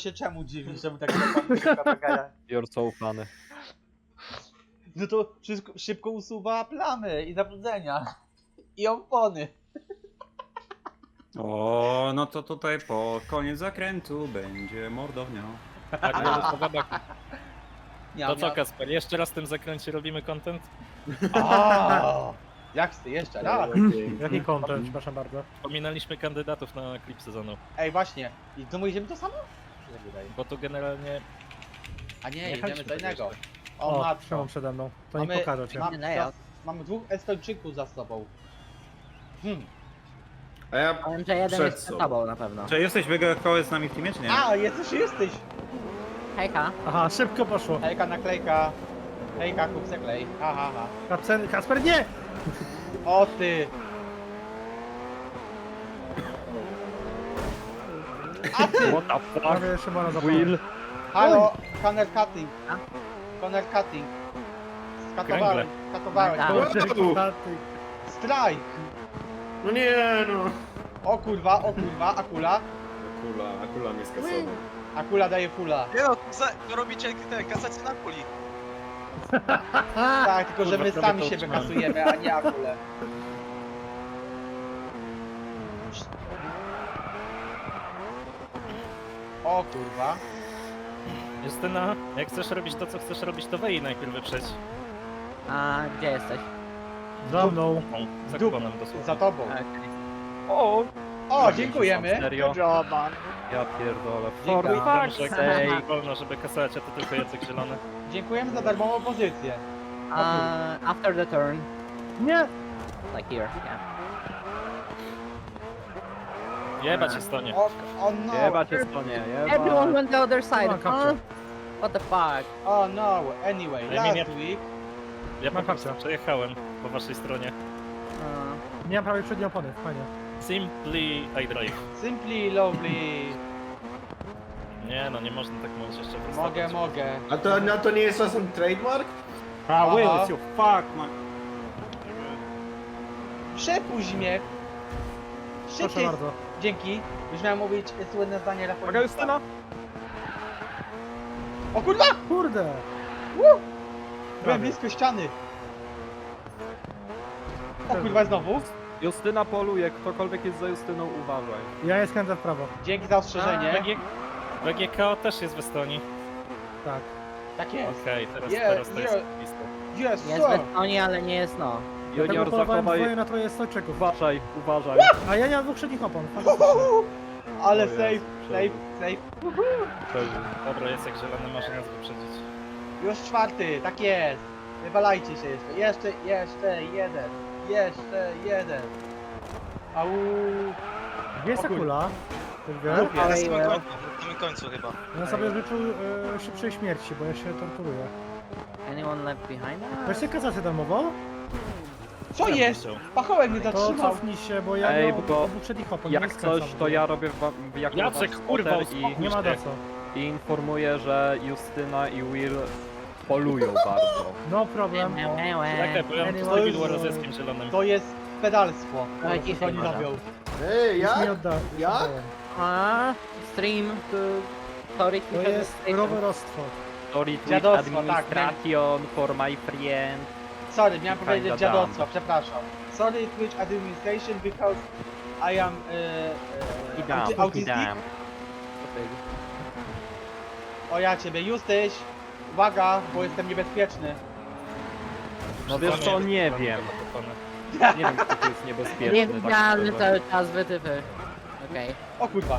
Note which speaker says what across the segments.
Speaker 1: się czemu dziwisz, czemu tak zapomniał?
Speaker 2: You're so funny.
Speaker 1: No to wszystko szybko usuwa plamy i zabrudzenia. I opony.
Speaker 3: O, no to tutaj po koniec zakrętu będzie mordownia.
Speaker 4: Tak,
Speaker 1: Ja
Speaker 4: to co, Kasper, jeszcze raz w tym zakręcie robimy content?
Speaker 1: Jak ty jeszcze raz?
Speaker 5: Jaki content, przepraszam bardzo.
Speaker 4: Pominęliśmy kandydatów na klip sezonu,
Speaker 1: Ej, właśnie. I to my idziemy to samo? Mi się wydaje.
Speaker 4: bo tu generalnie...
Speaker 1: A nie,
Speaker 4: Jechaliśmy
Speaker 1: jedziemy co
Speaker 4: tak
Speaker 1: innego.
Speaker 4: jeszcze.
Speaker 1: O,
Speaker 5: O,
Speaker 1: matko.
Speaker 5: Szymon przede mną. To nie
Speaker 1: Mamy-
Speaker 5: pokażę cię.
Speaker 1: Mamy dwóch Estończyków za sobą.
Speaker 3: A ja
Speaker 6: Powiem, że jeden
Speaker 3: przed
Speaker 6: jest przed
Speaker 3: sobą.
Speaker 6: tobą na pewno.
Speaker 3: Czy jesteś Kołe z nami w teamie, czy nie?
Speaker 1: A, jesteś.
Speaker 6: Hejka.
Speaker 5: Aha, szybko poszło.
Speaker 1: Hejka, naklejka. Hejka, kup se klej. Ha, ha, ha.
Speaker 5: Kasper, nie!
Speaker 1: O ty! A ty!
Speaker 2: What the fuck?
Speaker 5: Prawie Szymona zapałem.
Speaker 2: Will?
Speaker 1: Halo, Conner Cutting.
Speaker 6: A?
Speaker 1: Conner Cutting. Skatowałem.
Speaker 6: Tak.
Speaker 1: Strike!
Speaker 7: No nie no.
Speaker 1: O kurwa, Akula.
Speaker 7: Akula mnie skasował.
Speaker 1: Akula daje fula.
Speaker 8: Nie no, robicie te kasacje na kuli.
Speaker 1: Tak, tylko że my
Speaker 4: Kurwa,
Speaker 1: sami
Speaker 4: prawie to
Speaker 1: siebie
Speaker 4: utrzymałem.
Speaker 1: kasujemy, a nie Akulę. O kurwa.
Speaker 4: Justyna, jak chcesz robić to, co chcesz robić, to wej najpierw wyprzeć.
Speaker 6: A gdzie jesteś?
Speaker 5: Za mną.
Speaker 4: Za
Speaker 1: Dup.
Speaker 4: konem dosłownie.
Speaker 1: Za tobą.
Speaker 2: O!
Speaker 1: O, dziękujemy.
Speaker 2: Serio? Ja pierdolę.
Speaker 1: Dziękuję.
Speaker 2: For fuck's
Speaker 4: Dobrze,
Speaker 2: sake.
Speaker 4: wolno, żeby kasać, a to tylko Jacek Zielony.
Speaker 1: Dziękujemy za darmową pozycję.
Speaker 6: After the turn.
Speaker 5: Nie!
Speaker 6: Like here, yeah.
Speaker 4: Jebać Estonię.
Speaker 1: O no.
Speaker 2: Jeba cię stonie,
Speaker 6: Everyone
Speaker 2: jeba.
Speaker 6: went the other side,
Speaker 5: Ma kapcie.
Speaker 6: huh? What the fuck?
Speaker 1: Oh no. Anyway,
Speaker 4: Ej,
Speaker 1: last
Speaker 4: nie-
Speaker 1: week.
Speaker 4: Ja po
Speaker 5: Ma
Speaker 4: prostu
Speaker 5: kapcia.
Speaker 4: przejechałem po waszej stronie.
Speaker 5: Nie mam prawie przedniej opony, fajnie.
Speaker 4: Simply I drive.
Speaker 1: Simply lovely.
Speaker 4: Nie no, nie można tak mówić jeszcze
Speaker 1: Mogę.
Speaker 7: A to nie jest czasem trademark?
Speaker 3: A,
Speaker 1: Aha.
Speaker 3: Will, it's your fuck, man.
Speaker 1: Przepuść mnie.
Speaker 5: Proszę
Speaker 1: Szybciej.
Speaker 5: bardzo.
Speaker 1: Dzięki. Już miałem mówić słynne zdanie
Speaker 2: Uwaga,
Speaker 1: Rafała.
Speaker 2: Justyna!
Speaker 1: O kurwa!
Speaker 5: Kurde!
Speaker 1: Byłem
Speaker 5: Prawie.
Speaker 1: blisko ściany. O kurwa znowu.
Speaker 2: Justyna poluje, ktokolwiek jest za Justyną, uważaj.
Speaker 5: Ja je skręcę w prawo.
Speaker 1: Dzięki za ostrzeżenie.
Speaker 4: BGK też jest w Estonii.
Speaker 5: Tak.
Speaker 1: Tak jest.
Speaker 4: Okej, teraz to jest lista.
Speaker 1: Yes,
Speaker 6: Jest
Speaker 1: sir.
Speaker 6: w Estonii, ale nie jest no.
Speaker 5: Dlatego
Speaker 2: Junior,
Speaker 5: polowałem
Speaker 2: zachowaj...
Speaker 5: dwoje na troje Estończyków.
Speaker 2: Uważaj, uważaj.
Speaker 5: A ja nie mam dwóch przednich opon. Fantastycznie.
Speaker 1: Ale
Speaker 2: O
Speaker 1: safe,
Speaker 2: Jezu,
Speaker 1: safe.
Speaker 4: Dobra, Jacek Zielony, masz nas wyprzedzić.
Speaker 1: Już czwarty, tak jest. Wywalajcie się jeszcze. Jeszcze jeden. Au.
Speaker 5: Gdzie jest
Speaker 1: O kurde.
Speaker 5: Akula? Ty wiesz?
Speaker 1: Lubię.
Speaker 8: Na
Speaker 6: Ej,
Speaker 8: samym
Speaker 6: well.
Speaker 8: końcu, na samym końcu chyba.
Speaker 5: Ja sobie życzył szybszej śmierci, bo ja się torturuję.
Speaker 6: Anyone left behind?
Speaker 5: Weźcie kasację darmową,
Speaker 1: Co
Speaker 4: Ja
Speaker 1: jest?
Speaker 4: bym chciał.
Speaker 1: Pachołek mnie
Speaker 5: to
Speaker 1: zatrzymał.
Speaker 5: cofnij się, bo ja
Speaker 2: Ej,
Speaker 5: nie mam
Speaker 2: bo
Speaker 5: dwóch przednich opon.
Speaker 2: Jak
Speaker 5: nie skręcam
Speaker 2: coś,
Speaker 5: w
Speaker 2: to
Speaker 5: ogóle.
Speaker 2: ja robię jako
Speaker 4: Jacek,
Speaker 2: wasz
Speaker 4: kurwa,
Speaker 2: spotter
Speaker 5: Nie ma za co.
Speaker 2: i informuję, że Justyna i Will polują bardzo.
Speaker 5: No problem.
Speaker 4: Czekaj, bo ja mam tu
Speaker 5: Anyway,
Speaker 4: Civil War z Jackiem Zielonym.
Speaker 1: To jest pedalstwo.
Speaker 6: Dawaj
Speaker 1: Co
Speaker 6: ciszej
Speaker 1: oni
Speaker 6: może.
Speaker 1: robią.
Speaker 7: Ej,
Speaker 5: Już mi
Speaker 7: jak?
Speaker 5: odda.
Speaker 7: Jak?
Speaker 5: oddałem.
Speaker 6: Stream to... Sorry,
Speaker 5: To jest rowerostwo.
Speaker 2: Sorry, Twitch
Speaker 1: Dziadostwo, tak,
Speaker 2: administration for my friend.
Speaker 1: Sorry, miałem powiedzieć
Speaker 2: Kinda
Speaker 1: dziadostwo, przepraszam. Sorry Twitch administration because I am autistic. O ja ciebie, Justyś. Uwaga, bo jestem niebezpieczny.
Speaker 2: No wiesz co, nie wiem. Nie wiem, kto tu jest niebezpieczny.
Speaker 6: Niewidzialny
Speaker 2: tak
Speaker 6: cały czas wytyfy. Okej.
Speaker 1: O kurwa.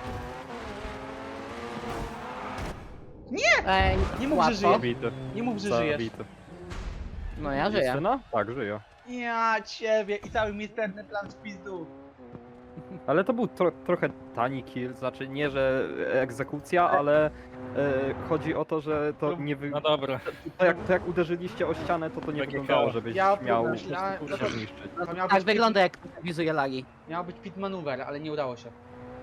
Speaker 6: Ej,
Speaker 1: Nie mów, że
Speaker 6: łatwo.
Speaker 1: żyje.
Speaker 2: Zabity.
Speaker 1: Nie mów, że żyjesz.
Speaker 2: Zabity.
Speaker 6: No ja żyję.
Speaker 2: Justyna? Tak, żyje.
Speaker 1: Ja ciebie i cały misterny plan w pizdu.
Speaker 2: Ale to był trochę tani kill, znaczy nie, że egzekucja, ale chodzi o to, że to nie wy...
Speaker 4: No dobra.
Speaker 2: to jak uderzyliście o ścianę, to nie
Speaker 4: BGK.
Speaker 2: wyglądało, żebyś
Speaker 1: Ja
Speaker 2: miał
Speaker 1: pomyślałem,
Speaker 2: się zniszczyć.
Speaker 1: To miał
Speaker 6: Tak
Speaker 1: być
Speaker 6: wygląda jak wizuje lagi.
Speaker 1: Miał być pit maneuver, ale nie udało się.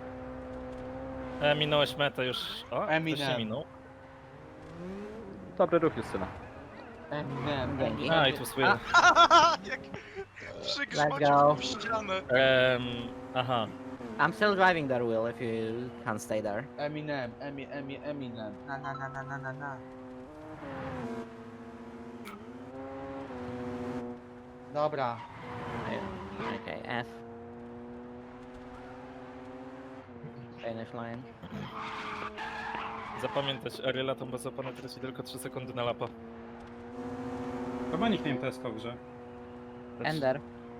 Speaker 4: Minąłeś metę już. O,
Speaker 1: Eminem.
Speaker 4: ktoś się minął.
Speaker 2: Dobry ruch, Justyna.
Speaker 6: Dzięki.
Speaker 4: A, i tu słyszę.
Speaker 8: Jak
Speaker 6: Let's
Speaker 8: przygrzmocił
Speaker 6: go.
Speaker 8: w ścianę.
Speaker 4: Aha.
Speaker 6: I'm still driving there, Will, if you can't stay there.
Speaker 1: Eminem. Na. Dobra.
Speaker 6: Okay, F. Finish line.
Speaker 4: Zapamiętać, Ariela to bez opony traci tylko 3 sekundy na lapa.
Speaker 3: Chyba nikt nie imprezka w grze.
Speaker 6: Ender.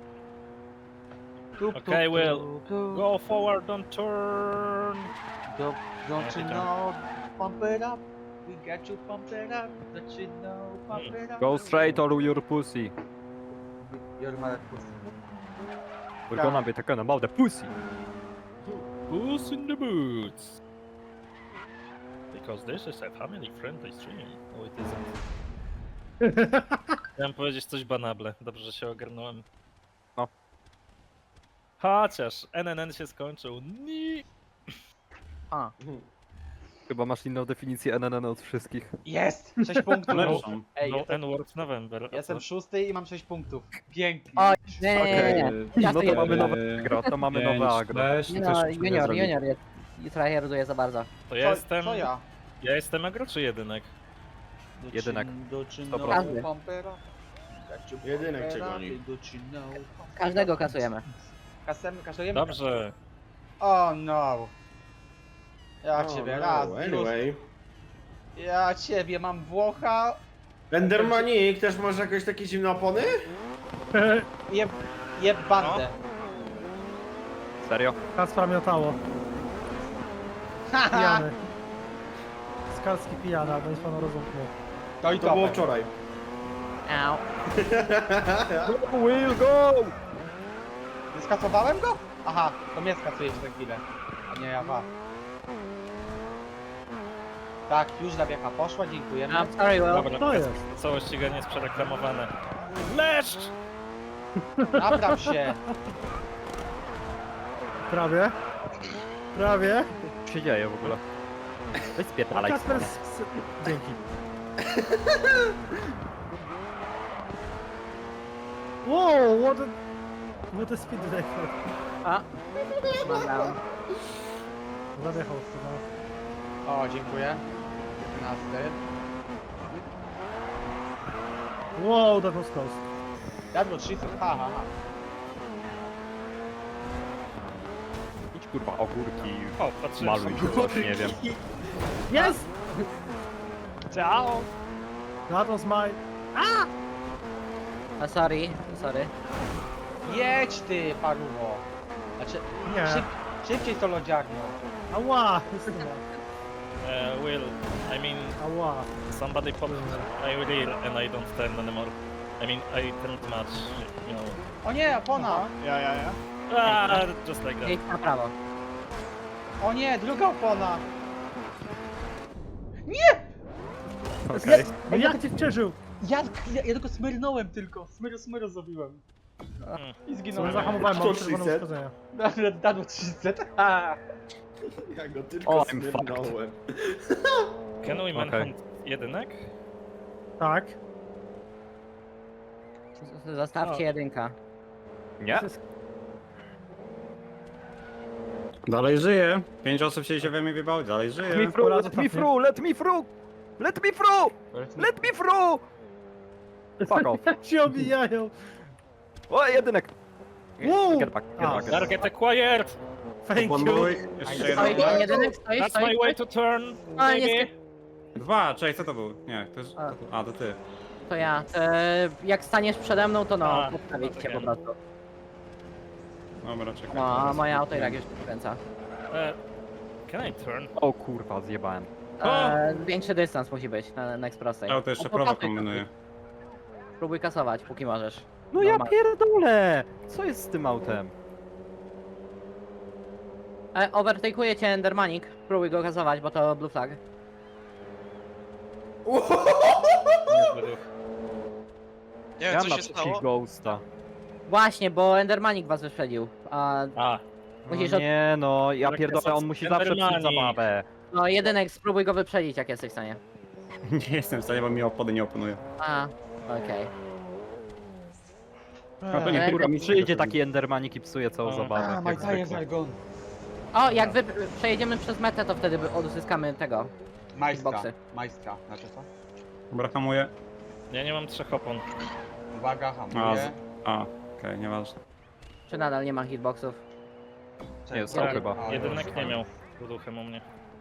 Speaker 4: Okay, Will. Go forward, don't turn!
Speaker 1: Don't you know, pump it up. We got you pump it up. Don't you know, pump it up.
Speaker 2: Go straight or your pussy.
Speaker 1: Your mother pussy.
Speaker 2: We're gonna be talking about the pussy.
Speaker 4: Puss in the boots! Because this is a family-friendly stream. Oh, it isn't. Chciałem powiedzieć coś banable. Dobrze, że się ogarnąłem.
Speaker 2: No.
Speaker 4: Chociaż NNN się skończył. Ni.
Speaker 6: A.
Speaker 2: Chyba masz inną definicję NNN od wszystkich.
Speaker 1: Jest! 6 punktów.
Speaker 3: Lepszą.
Speaker 1: Ej,
Speaker 4: No
Speaker 1: jestem,
Speaker 4: N-word November. a
Speaker 1: jestem
Speaker 4: co?
Speaker 1: 6 i mam 6 punktów. Pięknie.
Speaker 6: O, nie. Ja
Speaker 2: No
Speaker 6: to
Speaker 2: to mamy
Speaker 6: jedno.
Speaker 2: nowe agro, to mamy nowe agro.
Speaker 6: Nie no, junior jest. I tryharduje za bardzo.
Speaker 4: To ja jestem...
Speaker 1: Co ja?
Speaker 4: Ja jestem agro czy jedynek?
Speaker 2: Jedynek.
Speaker 6: Każdy.
Speaker 7: Jedynek cię goni.
Speaker 6: Każdego kasujemy.
Speaker 1: Kasujemy?
Speaker 4: Dobrze.
Speaker 1: Oh no. Ja
Speaker 7: Oh,
Speaker 1: ciebie
Speaker 7: no,
Speaker 1: raz,
Speaker 7: anyway.
Speaker 1: ja ciebie mam Włocha.
Speaker 7: Endermanik, też masz jakieś takie zimne opony?
Speaker 1: Jeb bandę.
Speaker 2: Serio?
Speaker 5: Kacpra miotało. Pijany. Skalski pijana, bo jest panu rozumnie.
Speaker 1: To i
Speaker 7: To było
Speaker 1: to.
Speaker 7: wczoraj.
Speaker 6: Au.
Speaker 2: Will go!
Speaker 1: Nie skasowałem go? Aha, to mnie skasujesz za chwilę. A nie ja was. Tak, już zabiega poszła, dziękujemy.
Speaker 6: I'm sorry, Will.
Speaker 4: Dobra,
Speaker 5: To jest.
Speaker 4: całe ściganie jest przereklamowane. Leszcz!
Speaker 1: Napraw się.
Speaker 5: Prawie. Prawie.
Speaker 2: Co się dzieje w ogóle? Weź spierdalaj.
Speaker 5: Kacper Dzięki. Wow, what a speed record.
Speaker 6: A. Mam down.
Speaker 5: Zadechał chyba.
Speaker 1: O, dziękuję. 15.
Speaker 5: Wow, that was close.
Speaker 1: Jadło 300, ha.
Speaker 2: Idź kurwa ogórki,
Speaker 4: O, patrzyłem.
Speaker 2: maluj czy coś, nie wiem.
Speaker 5: Yes!
Speaker 1: Ciao.
Speaker 5: That was my...
Speaker 6: Sorry.
Speaker 1: Jedź ty, paruwo. Znaczy,
Speaker 5: Nie.
Speaker 1: szybciej to lodziarnią.
Speaker 5: Ała! Jest chyba.
Speaker 4: Will, I mean,
Speaker 5: Ała.
Speaker 4: somebody popped my wheel and I don't turn anymore. I mean, I turned much, you know.
Speaker 1: O nie, opona.
Speaker 4: Ah, just like that.
Speaker 6: Jedź na prawo.
Speaker 1: O nie, druga opona.
Speaker 2: Okej.
Speaker 5: No jak cię przeżył?
Speaker 1: Ja tylko smyrnąłem tylko. Smyro zrobiłem. I
Speaker 5: Co
Speaker 1: zginąłem.
Speaker 5: zahamowałem, mam
Speaker 7: To
Speaker 5: czerwone
Speaker 7: 300?
Speaker 5: uszkodzenia.
Speaker 1: Dadło 300. Ha.
Speaker 7: Ja go tylko
Speaker 2: O, I'm
Speaker 7: smyrnąłem.
Speaker 4: Can we
Speaker 2: Okej.
Speaker 4: manhunt jedynek?
Speaker 5: Tak.
Speaker 6: Zostawcie jedynka.
Speaker 2: Nie?
Speaker 3: Dalej żyje. 5 osób się we mnie wybało, dalej
Speaker 2: Let me
Speaker 3: żyje.
Speaker 2: through, let me through, let me through! Let me through! Let me through! Fuck off.
Speaker 5: Się obijają.
Speaker 2: O, jedynek!
Speaker 5: Wow!
Speaker 2: Get back, get
Speaker 5: A.
Speaker 2: back, get back.
Speaker 4: Target acquired!
Speaker 5: Thank you.
Speaker 3: Oponuj. Jeszcze
Speaker 6: Stoi,
Speaker 3: jeden.
Speaker 6: jedynek, stoi.
Speaker 4: That's my way to turn,
Speaker 6: A, nie
Speaker 4: baby!
Speaker 3: 2, czekaj, co to był? Nie, to jest...
Speaker 6: A.
Speaker 3: A, to ty.
Speaker 6: To ja. Jak staniesz przede mną, to no,
Speaker 4: A,
Speaker 6: postawić cię po
Speaker 4: okej.
Speaker 6: prostu.
Speaker 3: Dobra, czekaj.
Speaker 6: No, a moje auto i tak już kręca.
Speaker 4: Can I turn?
Speaker 2: O kurwa, zjebałem.
Speaker 6: Większy dystans musi być na next prostej.
Speaker 3: Ja to jeszcze
Speaker 6: No,
Speaker 3: prawo
Speaker 6: pokazuj,
Speaker 3: kombinuję.
Speaker 6: Próbuj kasować, póki możesz.
Speaker 2: No ja
Speaker 6: Normalnie.
Speaker 2: pierdolę! Co jest z tym autem?
Speaker 6: Overtake'uje cię Endermanik. Próbuj go kasować, bo to blue flag.
Speaker 8: Nie
Speaker 2: Ja
Speaker 8: wiem,
Speaker 2: mam
Speaker 8: co się stało.
Speaker 2: naprzeciw Ghosta.
Speaker 6: Właśnie, bo Endermanik was wyprzedził. A
Speaker 4: A,
Speaker 6: musisz
Speaker 2: No
Speaker 6: od...
Speaker 2: nie no, ja
Speaker 4: Tak,
Speaker 2: pierdolę, on musi zawsze psuć
Speaker 4: Endermani.
Speaker 2: zabawę.
Speaker 6: No jedynek, spróbuj go wyprzedzić, jak jesteś w stanie.
Speaker 3: Nie jestem w stanie, bo mi opony nie oponuje.
Speaker 6: A, okej.
Speaker 3: A to nie,
Speaker 6: Eee,
Speaker 3: kurwa, mi
Speaker 2: Przyjdzie taki Endermanik i psuje całą zabawę.
Speaker 1: Ah, my
Speaker 2: jak
Speaker 1: tires
Speaker 2: zwykle.
Speaker 1: are gone.
Speaker 6: O, jak wy przejedziemy przez metę, to wtedy odzyskamy tego.
Speaker 1: Majstra.
Speaker 6: Boxy.
Speaker 1: Majstra. Znaczy co?
Speaker 3: Dobra, hamuję.
Speaker 4: Ja nie mam 3 opon.
Speaker 1: Uwaga, hamuję.
Speaker 3: Okej, nieważne.
Speaker 6: Czy nadal nie ma hitboxów?
Speaker 2: Nie, są
Speaker 6: Tak.
Speaker 2: chyba.
Speaker 1: O,
Speaker 4: Jedynek
Speaker 1: już.
Speaker 4: nie miał duchem u mnie.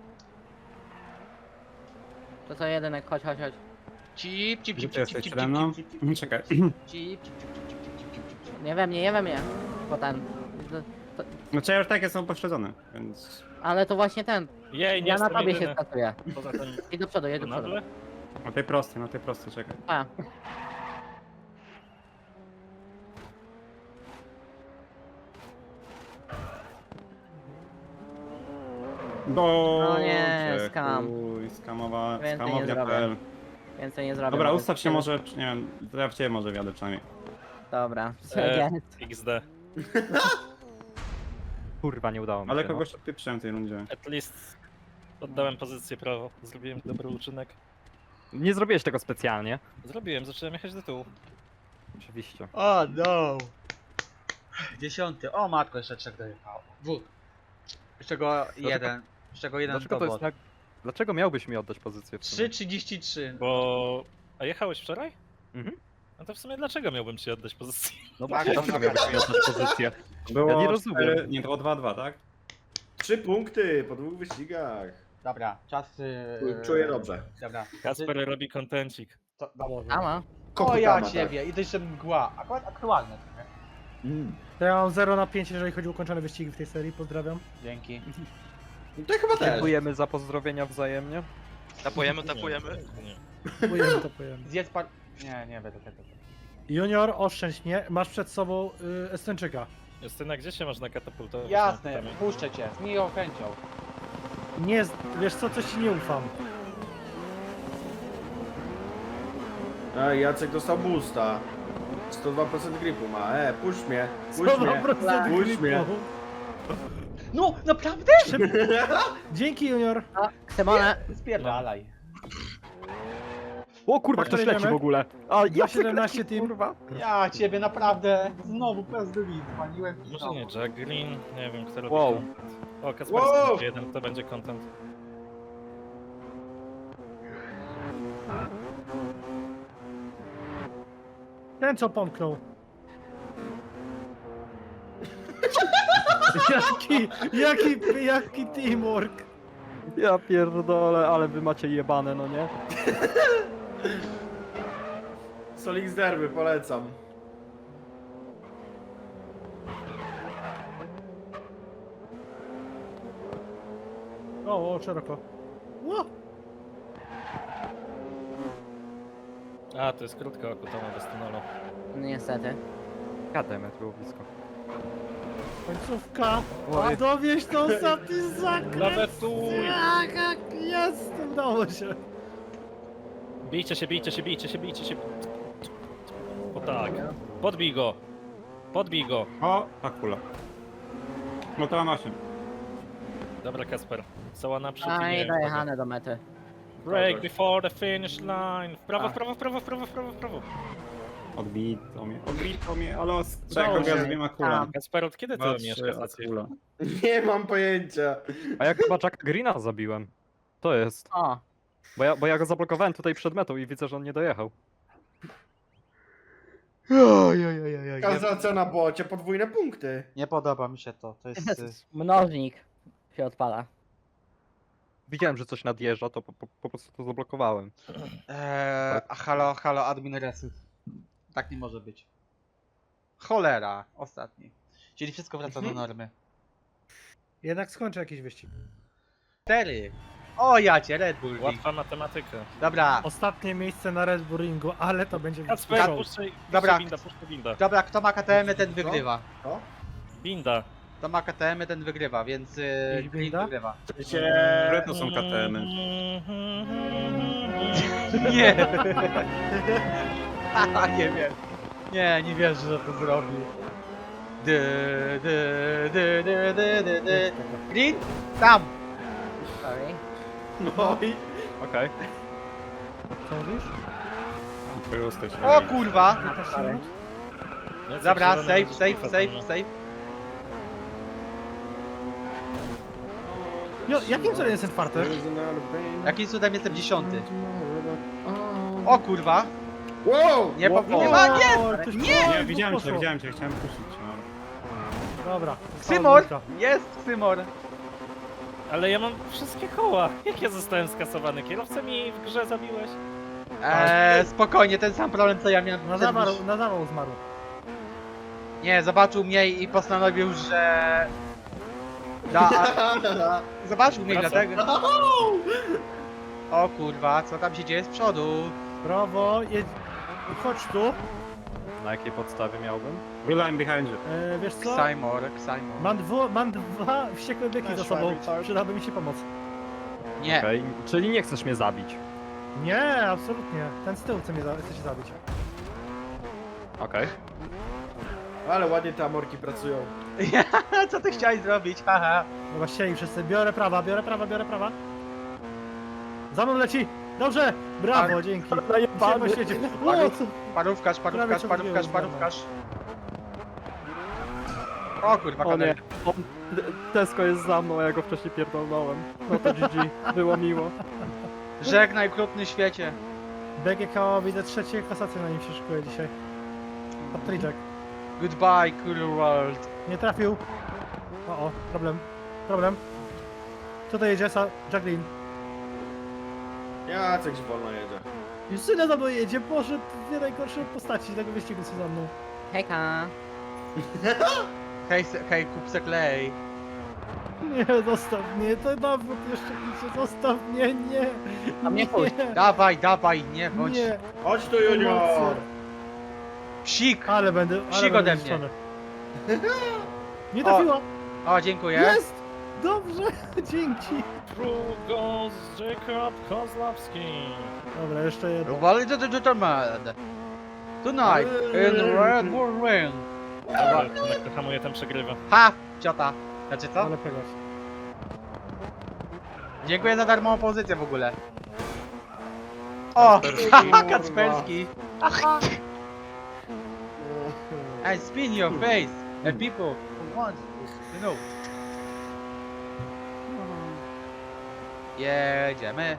Speaker 6: To co, jedynek, chodź.
Speaker 1: Cip, cip,
Speaker 3: Gdzie
Speaker 1: cip,
Speaker 3: ty
Speaker 1: cip,
Speaker 3: jesteś
Speaker 1: cip,
Speaker 3: przede mną?
Speaker 1: cip, cip, cip,
Speaker 3: Czekaj.
Speaker 1: cip, cip, cip, cip, cip, cip.
Speaker 6: Nie we mnie. Bo ten...
Speaker 3: Znaczy ja już tak jestem upośledzony, więc...
Speaker 6: Ale to właśnie ten.
Speaker 4: Jej, nie
Speaker 6: Ja na
Speaker 4: jestem
Speaker 6: tobie się
Speaker 4: jedyny.
Speaker 6: skasuję.
Speaker 4: Poza tym...
Speaker 6: Idź do przodu, jedź do przodu.
Speaker 4: Nagle?
Speaker 3: Na tej prostej, czekaj.
Speaker 6: A,
Speaker 3: No
Speaker 6: nie, skam. Więcej nie
Speaker 3: Skamownia.pl.
Speaker 6: więcej nie zrobię.
Speaker 3: Dobra,
Speaker 6: Mogę
Speaker 3: ustaw się może, czy nie wiem, to ja w ciebie może wjadę przynajmniej.
Speaker 6: Dobra,
Speaker 4: Jest. XD.
Speaker 2: Kurwa, nie udało mi
Speaker 3: Ale
Speaker 2: się.
Speaker 3: kogoś odpieprzyłem w tej rundzie.
Speaker 4: At least oddałem pozycję prawo. Zrobiłem dobry uczynek.
Speaker 2: No. Nie zrobiłeś tego specjalnie.
Speaker 4: Zrobiłem, zacząłem jechać do tyłu.
Speaker 2: Oczywiście.
Speaker 1: O no! 10. O matko, jeszcze 3 dojechało. 2. Z czego jeden. Z czego jeden
Speaker 2: Dlaczego
Speaker 1: to
Speaker 2: to jest
Speaker 1: bot.
Speaker 2: tak... Dlaczego miałbyś mi oddać pozycję w sumie?
Speaker 1: 3,33.
Speaker 4: Bo... A jechałeś wczoraj?
Speaker 2: Mhm.
Speaker 4: No to w sumie dlaczego miałbym ci oddać pozycję?
Speaker 2: No
Speaker 1: Tak,
Speaker 2: właśnie,
Speaker 1: to
Speaker 2: dlaczego miałbyś mi oddać pozycję?
Speaker 3: Było
Speaker 2: Ja nie rozumiem.
Speaker 3: 4, nie, to było 2-2, tak?
Speaker 7: 3 punkty po 2 wyścigach.
Speaker 1: Dobra, czas.
Speaker 7: Czuję dobrze.
Speaker 1: Dobra.
Speaker 4: Kasper robi kontencik.
Speaker 1: To, dobra.
Speaker 6: Ama.
Speaker 1: O ja
Speaker 7: Kokutama,
Speaker 1: ciebie, i to jeszcze mgła. Akurat aktualne. trochę.
Speaker 5: To ja mam 0 na 5, jeżeli chodzi o ukończone wyścigi w tej serii, pozdrawiam.
Speaker 1: Dzięki.
Speaker 7: To chyba też.
Speaker 2: Dziękujemy za pozdrowienia wzajemnie.
Speaker 8: Tapujemy.
Speaker 4: Nie.
Speaker 5: Pojemy.
Speaker 1: Zjedz par... Nie będę tego.
Speaker 5: Junior, oszczędź mnie, masz przed sobą Estończyka.
Speaker 4: Justyna, gdzie się można katapultować?
Speaker 1: Jasne,
Speaker 4: Tam-
Speaker 1: puszczę cię, z miłą chęcią.
Speaker 5: Nie, wiesz co, coś ci nie ufam.
Speaker 7: A Jacek dostał boosta. 102% gripu ma. Puść mnie. Puść mnie.
Speaker 5: 100%
Speaker 7: Puść mnie.
Speaker 5: gripu.
Speaker 1: No, naprawdę?
Speaker 5: Dzięki Junior.
Speaker 6: O, Ksymone.
Speaker 1: Spierdalaj.
Speaker 2: O kurwa,
Speaker 5: Tak,
Speaker 2: ktoś
Speaker 5: to
Speaker 2: leci
Speaker 5: jedziemy?
Speaker 2: w ogóle. A ja
Speaker 5: 17 team.
Speaker 2: kurwa.
Speaker 1: Ja ciebie naprawdę znowu prezydent paliłem.
Speaker 4: Może nie, Jack Green, nie wiem, kto robi
Speaker 2: Wow.
Speaker 4: content. O, Kasper
Speaker 7: Wow.
Speaker 4: wow. Jeden, to będzie content.
Speaker 5: Ten co pomknął. Jaki teamwork.
Speaker 2: Ja pierdolę, ale wy macie jebane, no nie?
Speaker 7: Solix Derby, polecam.
Speaker 5: O, szeroko. Ło!
Speaker 4: A, to jest krótka okutana bez tunelu.
Speaker 6: Niestety.
Speaker 2: Kademet było blisko.
Speaker 5: Końcówka.
Speaker 2: Oj.
Speaker 5: A dowieź tą ostatni zakręt.
Speaker 4: Lawetuj!
Speaker 5: Jak jest, udało się.
Speaker 4: Bijcie się. O tak. Podbij go.
Speaker 3: O, ta kula. No to mam 8.
Speaker 4: Dobra, Kasper. Cała naprzód
Speaker 6: A
Speaker 4: i
Speaker 6: i
Speaker 4: nie.
Speaker 6: dojechane do mety.
Speaker 4: Break before the finish line. W prawo,
Speaker 1: A.
Speaker 4: w prawo.
Speaker 3: Odbito mnie, ale
Speaker 7: Udało
Speaker 3: czekam, ja
Speaker 7: się.
Speaker 3: z 2 kulami.
Speaker 4: Kasper, od kiedy ty
Speaker 3: 2,
Speaker 4: miesz
Speaker 3: 3, a
Speaker 4: kasację?
Speaker 3: kula.
Speaker 7: Nie mam pojęcia.
Speaker 2: A ja chyba Jacka Greena zabiłem. To jest.
Speaker 6: O,
Speaker 2: Bo ja go zablokowałem tutaj przed metą i widzę, że on nie dojechał.
Speaker 7: Kazacja na bocie, podwójne punkty.
Speaker 1: Nie podoba mi się to. To jest.
Speaker 6: mnożnik się odpala.
Speaker 2: Widziałem, że coś nadjeżdża, to po prostu to zablokowałem.
Speaker 1: A halo, admin reset. Tak nie może być. Cholera, ostatni. Czyli wszystko wraca do normy.
Speaker 5: Jednak skończę jakiś wyścig.
Speaker 1: 4. O ja cię, Red Bull.
Speaker 4: Łatwa matematyka.
Speaker 1: Dobra,
Speaker 5: Ostatnie miejsce na Red Bull Ringu, ale to będzie
Speaker 4: Kasper,
Speaker 1: Dobra.
Speaker 4: puszczaj
Speaker 1: Dobra.
Speaker 4: binda.
Speaker 1: dobra, kto ma KTM, ten wygrywa.
Speaker 7: To?
Speaker 4: Binda.
Speaker 1: Kto ma KTM, ten wygrywa, więc
Speaker 5: Jakiś
Speaker 1: Green
Speaker 5: blinda?
Speaker 1: wygrywa.
Speaker 3: Które to są KTM-y?
Speaker 1: Nie! Haha, nie wiem. Nie wierzę, że to zrobi. Green? Tam!
Speaker 6: Sorry.
Speaker 7: No i...
Speaker 2: Okej.
Speaker 5: Co mówisz?
Speaker 3: Proste się.
Speaker 1: O kurwa!
Speaker 6: Sorry.
Speaker 4: Nie, co
Speaker 1: Dobra,
Speaker 4: zielony
Speaker 1: save,
Speaker 4: będzie
Speaker 1: save,
Speaker 4: kurwa
Speaker 1: save,
Speaker 4: tam,
Speaker 1: save.
Speaker 5: Jo, jakim cudem jestem czwarty?
Speaker 1: Jakim cudem jestem 10? O kurwa!
Speaker 7: Wow!
Speaker 1: Nie
Speaker 7: Wow,
Speaker 1: po...
Speaker 7: wow.
Speaker 1: Nie ma, nie!
Speaker 5: Ktoś
Speaker 1: Nie!
Speaker 5: poszło,
Speaker 3: Nie, widziałem cię,
Speaker 5: poszło.
Speaker 3: widziałem cię, chciałem puścić cię. No.
Speaker 5: Dobra.
Speaker 1: Ksymor!
Speaker 5: została
Speaker 1: Jest Ksymor!
Speaker 4: Ale ja mam wszystkie koła. Jak ja zostałem skasowany? Kierowcę mi w grze zabiłeś?
Speaker 1: Spokojnie, ten sam problem co ja miałem.
Speaker 5: dwójka. Na zawał zmarł.
Speaker 1: Nie, zobaczył mnie i postanowił, że... Zobaczył mnie dlatego... O kurwa, co tam się dzieje z przodu?
Speaker 5: Brawo, jedź. Chodź tu.
Speaker 2: Na jakiej podstawie miałbym?
Speaker 3: Byłem behind you.
Speaker 5: Wiesz co?
Speaker 1: Ksymor.
Speaker 5: Mam dwa wściekłe biegi za sobą. Przydałaby mi się pomoc.
Speaker 1: Nie.
Speaker 2: Okej, czyli nie chcesz mnie zabić.
Speaker 5: Nie, absolutnie. Ten z tyłu chce się zabić.
Speaker 2: Okej.
Speaker 7: Ale ładnie te amorki pracują.
Speaker 1: Co ty chciałeś zrobić? Haha.
Speaker 5: Dobra, ścieli wszyscy. Biorę prawa. Za mną leci! Dobrze! Brawo, dzięki. Dzisiaj po świecie. O, co?
Speaker 1: Parówkarz. O kurwa,
Speaker 2: O nie,
Speaker 1: kadel.
Speaker 2: Tesco jest za mną, a ja go wcześniej pierdolnąłem. No to GG, było miło.
Speaker 1: Żegnaj krupny świecie.
Speaker 5: BGK, widzę trzecie kasacje na nim się szykuje dzisiaj. Patryczek.
Speaker 1: Goodbye, cool world.
Speaker 5: Nie trafił. O, problem. Co to jedzie? Jacqueline.
Speaker 7: Jacek wolno jedzie.
Speaker 5: Justyna za mną jedzie, Boże, dwie najgorsze postaci tego wyścigu są za mną.
Speaker 6: Hejka.
Speaker 1: Hej, kupce klej.
Speaker 5: Nie, zostaw mnie, to nawrót jeszcze idzie, zostaw mnie, nie.
Speaker 6: A mnie chuj.
Speaker 1: Dawaj, nie bądź.
Speaker 5: Nie.
Speaker 7: Chodź tu, Junior!
Speaker 1: Psik.
Speaker 5: Ale będę
Speaker 1: Psik ode mnie.
Speaker 5: zniszczony. Nie trafiła.
Speaker 1: O, dziękuję.
Speaker 5: Jest! Dobrze, dzięki.
Speaker 4: Through goes Jacob Kozlowski.
Speaker 5: Dobra, jeszcze jedno.
Speaker 1: Wally the Gentleman. Tonight in Red Bull Ring.
Speaker 4: Dobra, jak to hamuje, ten przegrywa.
Speaker 1: Ha! Ciota. Znaczy co?
Speaker 5: Ale pegasz.
Speaker 1: Dziękuję za darmową pozycję w ogóle. O! Haha, Kacperski. I spin your face. And people who want to know. Jedziemy.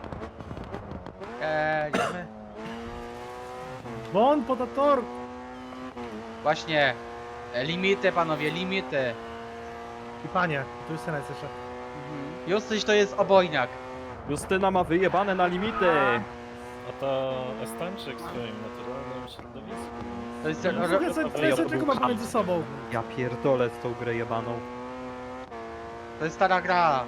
Speaker 5: Bon potator!
Speaker 1: Właśnie. Limity, panowie, limity.
Speaker 5: I panie, tu jest Senes jeszcze.
Speaker 1: Justyś to jest obojniak.
Speaker 2: Justyna ma wyjebane na limity.
Speaker 4: Oto Estończyk w swoim naturalnym środowisku.
Speaker 1: To jest...
Speaker 5: Słuchaj, co tylko ma pomiędzy sobą.
Speaker 2: Ja pierdolę z tą grę jebaną.
Speaker 1: To jest stara gra.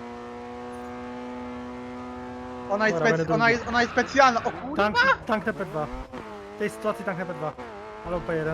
Speaker 1: Ona jest,
Speaker 5: Dobra, będę
Speaker 1: ona jest specjalna. O kurwa!
Speaker 5: Tank TP2. W tej sytuacji tank TP2. Albo P1.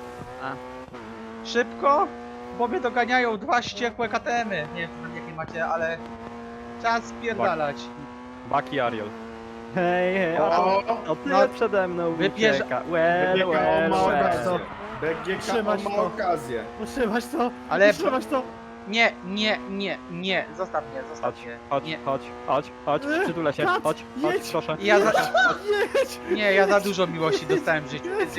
Speaker 1: Szybko, bo mnie doganiają dwa ściekłe KTM-y. Nie wiem jakie macie, ale czas spierdalać.
Speaker 2: Baki Ariel. Hej,
Speaker 7: O,
Speaker 2: o ty
Speaker 1: no,
Speaker 2: przede mną
Speaker 1: wypierza-
Speaker 2: ucieka. Well,
Speaker 7: BGK
Speaker 2: well,
Speaker 7: ma
Speaker 5: well.
Speaker 7: okazję. BGK
Speaker 5: Trzymać
Speaker 7: ma
Speaker 5: to.
Speaker 7: okazję.
Speaker 5: Utrzymasz to!
Speaker 1: Ale-
Speaker 5: Utrzymasz to!
Speaker 1: Nie, zostaw mnie,
Speaker 2: Chodź,
Speaker 1: mnie.
Speaker 2: chodź,
Speaker 1: Nie.
Speaker 2: chodź, przytulę się,
Speaker 5: Kat,
Speaker 2: chodź,
Speaker 5: jedź.
Speaker 2: proszę.
Speaker 1: Ja za,
Speaker 5: Jedź!
Speaker 1: nie, ja za dużo miłości dostałem w życiu.
Speaker 5: Jedź!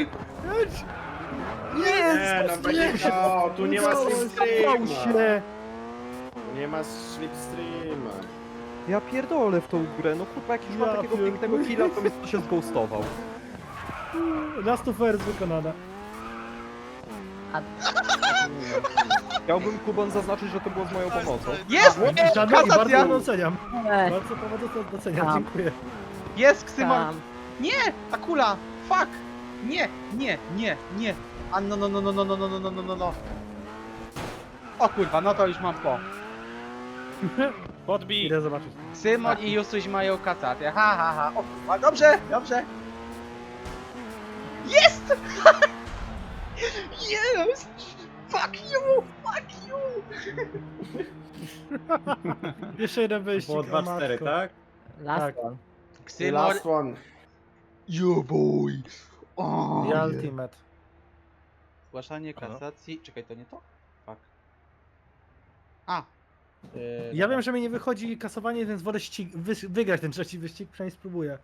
Speaker 7: Nie, no BGK, tu nie ma
Speaker 5: Zapał
Speaker 7: slipstreama.
Speaker 5: się!
Speaker 7: Nie ma slipstreama.
Speaker 2: Ja pierdolę w tą grę, no kurwa, jak już ma
Speaker 5: Ja
Speaker 2: takiego pięknego
Speaker 5: pierdolę.
Speaker 2: killa, to mnie się zghostował.
Speaker 5: Last of Us wykonana.
Speaker 2: Chciałbym Kubon zaznaczyć, że to było z moją pomocą.
Speaker 1: Jest!
Speaker 5: Żadnej i bardzo
Speaker 1: Kasacja!
Speaker 5: doceniam.
Speaker 6: Ej,
Speaker 5: Bardzo doceniam,
Speaker 6: Tam.
Speaker 5: dziękuję.
Speaker 1: Jest Ksymor!
Speaker 6: tam.
Speaker 1: Nie! Ta kula! Fuck! Nie! A no. O kurwa, no to już mam po.
Speaker 4: Podbij!
Speaker 5: Idę zobaczyć.
Speaker 1: Ksymor i Justuś mają kasatę. Ha. O kurwa, dobrze. Jest! Yes! Fuck you!
Speaker 5: Jeszcze jeden wyścig.
Speaker 3: Było
Speaker 5: o
Speaker 3: 2-4,
Speaker 5: matko.
Speaker 3: tak?
Speaker 6: Last
Speaker 5: Tak.
Speaker 6: one.
Speaker 1: Ksymor...
Speaker 7: Last one.
Speaker 1: You boy! O,
Speaker 5: Ja Ultimate.
Speaker 1: Zgłaszanie kasacji... Czekaj, to nie to? Fuck. A!
Speaker 5: Ja wiem, że mi nie wychodzi kasowanie, więc wolę wygrać ten trzeci wyścig, przynajmniej spróbuję.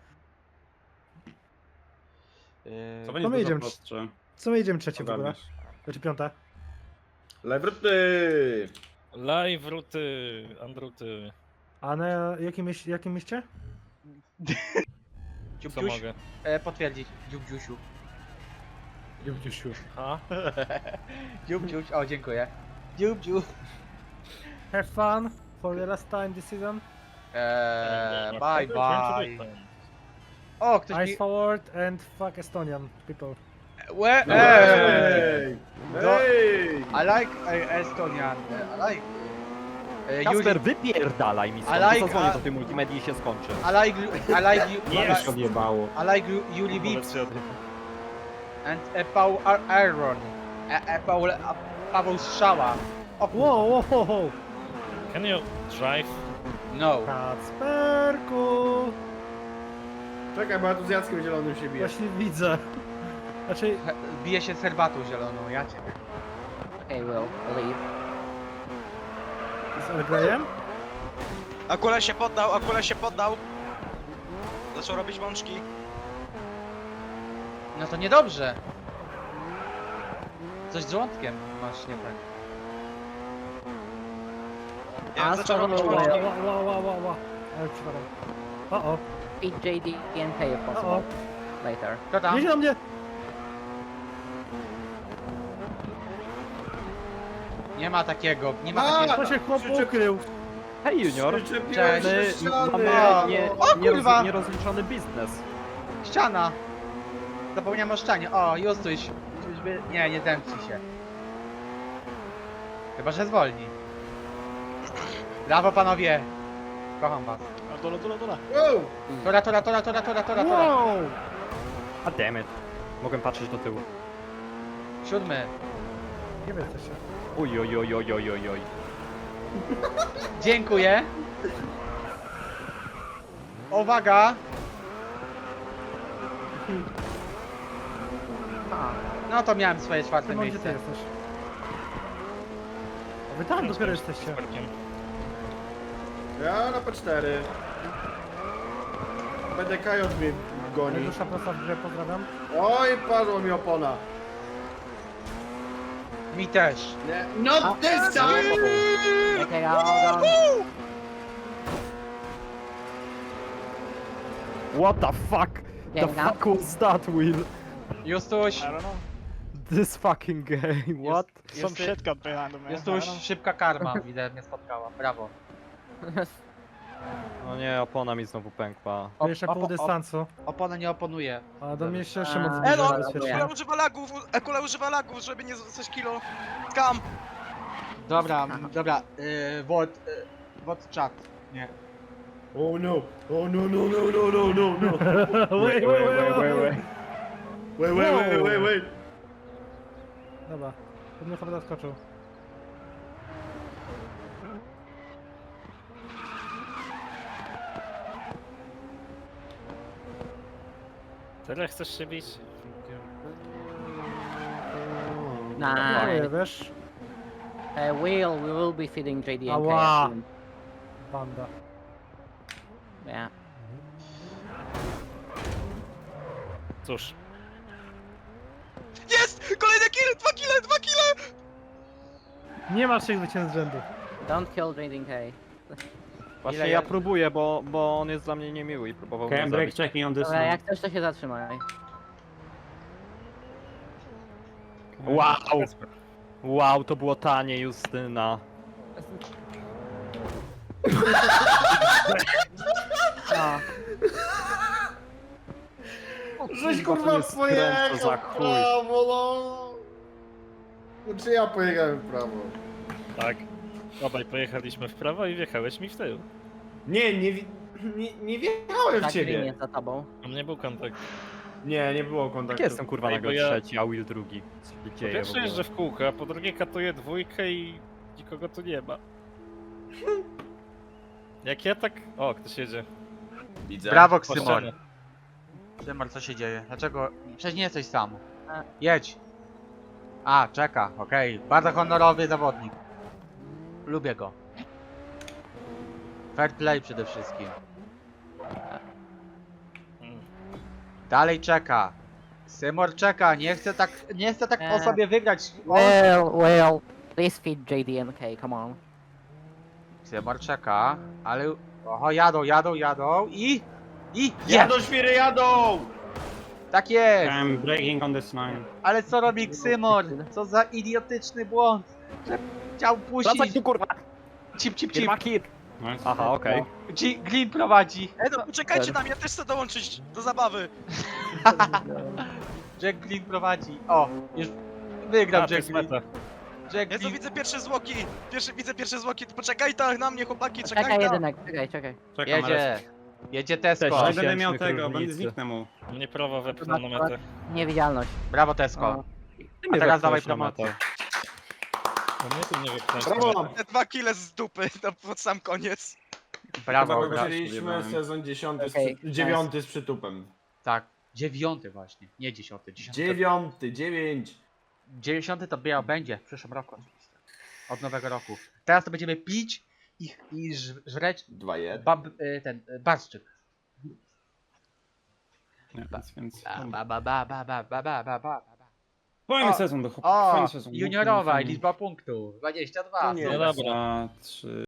Speaker 3: Co
Speaker 5: To
Speaker 3: będzie
Speaker 5: my
Speaker 3: dużo
Speaker 5: jedziemy.
Speaker 3: prostsze.
Speaker 5: Co my jedziemy trzecie w ogóle?
Speaker 3: Ogarniesz.
Speaker 5: Znaczy piąte.
Speaker 7: Lewruty!
Speaker 4: Live ruty, Andruty.
Speaker 5: A na jakim mieście?
Speaker 4: Co
Speaker 1: Dziubdziuś,
Speaker 4: mogę?
Speaker 1: potwierdzić. Dziubdziusiu.
Speaker 5: Dziubdziusiu.
Speaker 4: A?
Speaker 1: Dziubdziuś, o dziękuję. Dziubdziu.
Speaker 5: Have fun for the last time this season.
Speaker 1: Bye bye. O, ktoś
Speaker 5: Eyes
Speaker 1: mi...
Speaker 5: forward and fuck Estonian people.
Speaker 1: Łe,
Speaker 7: No, Ej!
Speaker 1: Do-
Speaker 7: Ej!
Speaker 1: I like Estonian. I like...
Speaker 2: Kasper, wypierdalaj mi stąd,
Speaker 1: I like-
Speaker 2: zadzwonię do tej multimedii i się skończy.
Speaker 1: I like you...
Speaker 3: odjebało.
Speaker 1: I like Yuli Vips
Speaker 4: Powiedz się o tym.
Speaker 1: and Paul Aaron. Paweł Strzała. O kur...
Speaker 5: Wow, wow, wow, wow.
Speaker 4: Can you drive?
Speaker 1: No.
Speaker 5: Kacperku!
Speaker 7: Czekaj, bo ja tu z Jackiem Zielonym się biję.
Speaker 5: Właśnie widzę. Znaczy,
Speaker 1: Bije się z herbatą zieloną, ja ciebie.
Speaker 6: Okay, Will, leave.
Speaker 5: z Elgrejem?
Speaker 8: Akula się poddał, Akula się poddał. Zaczął robić mączki.
Speaker 1: No to niedobrze. Coś z żołądkiem masz nie tak.
Speaker 8: Nie, zaczął robić
Speaker 6: Will.
Speaker 8: mączki.
Speaker 5: Ła. Ale przepraszam. O,
Speaker 6: Beat JD and K if possible.
Speaker 5: o.
Speaker 6: Later.
Speaker 1: Kto tam?
Speaker 5: Jedzie na mnie!
Speaker 1: Nie ma takiego, nie ma
Speaker 7: A!
Speaker 1: takiego.
Speaker 5: To się chłop
Speaker 7: Krzyczę-
Speaker 5: ukrył.
Speaker 2: Hej Junior,
Speaker 7: Przyczepiłem się
Speaker 1: Cześć.
Speaker 7: do
Speaker 2: my
Speaker 7: ściany.
Speaker 2: mamy
Speaker 1: kurwa!
Speaker 2: nierozliczony biznes.
Speaker 1: Ściana! Zapomniałem o ścianie. O, Justuś. Czyżby... Nie zemści się. Chyba, że zwolni. Brawo panowie! Kocham was.
Speaker 7: Wow!
Speaker 1: Tora.
Speaker 5: Wow!
Speaker 2: A damn it. Mogłem patrzeć do tyłu.
Speaker 1: 7.
Speaker 5: Nie wiem, co się.
Speaker 2: Oj.
Speaker 1: Dziękuję. Uwaga! No to miałem swoje czwarte
Speaker 5: Szymon, gdzie ty
Speaker 1: miejsce.
Speaker 5: jesteś? A wy tam dopiero jesteście.
Speaker 4: Parkiem.
Speaker 7: Ja na P4. BDK mnie goni.
Speaker 5: Najdłuższa prosta w grze, pozdrawiam.
Speaker 7: Oj, padła mi opona.
Speaker 1: Mi też.
Speaker 7: Nie. No this time!
Speaker 6: Okay, hold on.
Speaker 2: What the fuck? The
Speaker 6: Getting up.
Speaker 2: fuck was that, Will?
Speaker 1: Justuś.
Speaker 2: This fucking game, what?
Speaker 1: Justuś, szybka karma. Widzę, mnie spotkała. Brawo.
Speaker 2: No nie, opona mi znowu pękła.
Speaker 5: To jeszcze pół dystansu.
Speaker 1: Opona nie oponuje.
Speaker 5: A do mnie jeszcze
Speaker 6: A,
Speaker 5: Szymon
Speaker 6: no,
Speaker 5: zbliża
Speaker 6: dobra.
Speaker 5: bezpiecznie.
Speaker 8: Akula używa lagów, Akula używa lagów, żeby nie zostać kilo. Skam!
Speaker 1: Dobra. Wod chat. Nie.
Speaker 7: Oh no, oh no.
Speaker 5: Wait.
Speaker 7: Wait.
Speaker 5: Dobra, to mnie chyba zaskoczył.
Speaker 4: Tyle chcesz się bić?
Speaker 5: Dziękuję,
Speaker 6: Nice.
Speaker 5: wiesz?
Speaker 6: Will, we will be feeding JD and K
Speaker 5: Ała.
Speaker 6: soon.
Speaker 5: Banda.
Speaker 6: Yeah.
Speaker 4: Cóż,
Speaker 8: Jest! Kolejny kill! 2 kile!
Speaker 5: Nie ma 3 zwycięstw z rzędu.
Speaker 6: Don't kill JD and K.
Speaker 2: Właśnie
Speaker 1: Ile
Speaker 2: ja
Speaker 1: jest?
Speaker 2: próbuję, bo on jest dla mnie niemiły i próbował mnie
Speaker 3: Cam break
Speaker 2: zabić.
Speaker 3: checking on this
Speaker 6: Dobra,
Speaker 3: one.
Speaker 6: jak chcesz, to się zatrzymaj.
Speaker 2: Wow! Wow, to było tanie, Justyna.
Speaker 6: No.
Speaker 7: Żeś
Speaker 2: Kurwa, to
Speaker 7: kurwa
Speaker 2: jest skręt, to za
Speaker 7: pojechał w
Speaker 2: chuj.
Speaker 7: prawo, no. No czy ja pojechałem w prawo?
Speaker 4: tak. Obaj pojechaliśmy w prawo i wjechałeś mi w tył.
Speaker 7: Nie wjechałem w
Speaker 6: Tak, Green
Speaker 7: ciebie.
Speaker 6: jest za tobą.
Speaker 4: U mnie był kontakt.
Speaker 7: Nie było
Speaker 2: Jak
Speaker 7: kontaktu.
Speaker 2: jestem kurwa
Speaker 4: Ej,
Speaker 2: nagle
Speaker 4: bo ja-
Speaker 2: trzeci, a Will drugi? Co się
Speaker 4: Po
Speaker 2: dzieje w
Speaker 4: pierwsze
Speaker 2: ogóle?
Speaker 4: jeżdżę w kółko, a po drugie katuję dwójkę i nikogo tu nie ma. Jak ja tak... O, ktoś jedzie.
Speaker 7: Widzę.
Speaker 1: Brawo,
Speaker 4: Po
Speaker 1: Ksymor.
Speaker 4: ścianie.
Speaker 1: Ksymor, co się dzieje? Dlaczego? Przecież nie jesteś sam.
Speaker 6: A.
Speaker 1: Jedź. A, czeka, okej. Bardzo honorowy zawodnik. Lubię go. Fair play przede wszystkim.
Speaker 4: Mm.
Speaker 1: Dalej czeka. Symor czeka, nie chce tak po
Speaker 6: Eee.
Speaker 1: sobie wygrać. O!
Speaker 6: Will, please feed JD and K, come on.
Speaker 1: Symor czeka, ale Oho, jadą i jest!
Speaker 7: Jadą świry, jadą!
Speaker 1: Tak jest!
Speaker 3: I'm breaking on this line.
Speaker 1: Ale co robi Ksymor? Co za idiotyczny błąd, że chciał
Speaker 2: Wracaj
Speaker 1: puścić.
Speaker 2: tu kurwa!
Speaker 1: Cip.
Speaker 2: Kiermaki!
Speaker 3: Nice.
Speaker 2: Aha, okej.
Speaker 1: Glin prowadzi.
Speaker 8: No poczekajcie na mnie, też chcę dołączyć do zabawy.
Speaker 1: Jack Glin prowadzi. O, już wygrał
Speaker 4: A, to
Speaker 1: Jack
Speaker 4: jest
Speaker 1: Glin.
Speaker 4: meta.
Speaker 1: Jack
Speaker 8: Ja tu
Speaker 1: Glin.
Speaker 8: widzę pierwsze zwłoki. Widzę pierwsze zwłoki. Poczekaj tak na mnie, chłopaki,
Speaker 6: Czekaj
Speaker 8: czekaj tak.
Speaker 6: jedynek, czekaj.
Speaker 3: Czekam, ale...
Speaker 1: Jedzie Tesco.
Speaker 2: Cześć.
Speaker 3: Ale będę miał
Speaker 2: Tysięczny
Speaker 3: tego, będę
Speaker 2: kierownicy.
Speaker 3: zniknę mu.
Speaker 4: Mnie prawa wepchnął na metę.
Speaker 6: Niewidzialność.
Speaker 1: Brawo Tesco.
Speaker 6: O.
Speaker 2: Ty
Speaker 1: A
Speaker 2: mnie
Speaker 1: teraz
Speaker 2: wepchnąłeś
Speaker 1: dawaj
Speaker 2: na
Speaker 1: promocję.
Speaker 2: metę.
Speaker 4: No mnie tu nie wepchnąłeś na
Speaker 7: Brawo!
Speaker 4: metę.
Speaker 8: Te 2 kile z dupy, to pod sam koniec.
Speaker 1: Brawo,
Speaker 7: Chyba
Speaker 1: brawo.
Speaker 7: zaczęliśmy sezon 10,
Speaker 6: Okej,
Speaker 7: 9 z przytupem.
Speaker 1: Tak. 9 właśnie, nie 10.
Speaker 7: 9.
Speaker 1: 90 to będzie w przyszłym roku oczywiście. Od nowego roku. Teraz to będziemy pić i żreć
Speaker 7: 2-1.
Speaker 1: barszczyk.
Speaker 3: Nie, więc... Fajny
Speaker 1: O,
Speaker 3: sezon do chłopów,
Speaker 1: O,
Speaker 3: fajny sezon.
Speaker 1: juniorowa i
Speaker 3: Fajny.
Speaker 1: liczba punktów. 22.
Speaker 7: No nie.
Speaker 4: No dobra.
Speaker 3: 2, 3...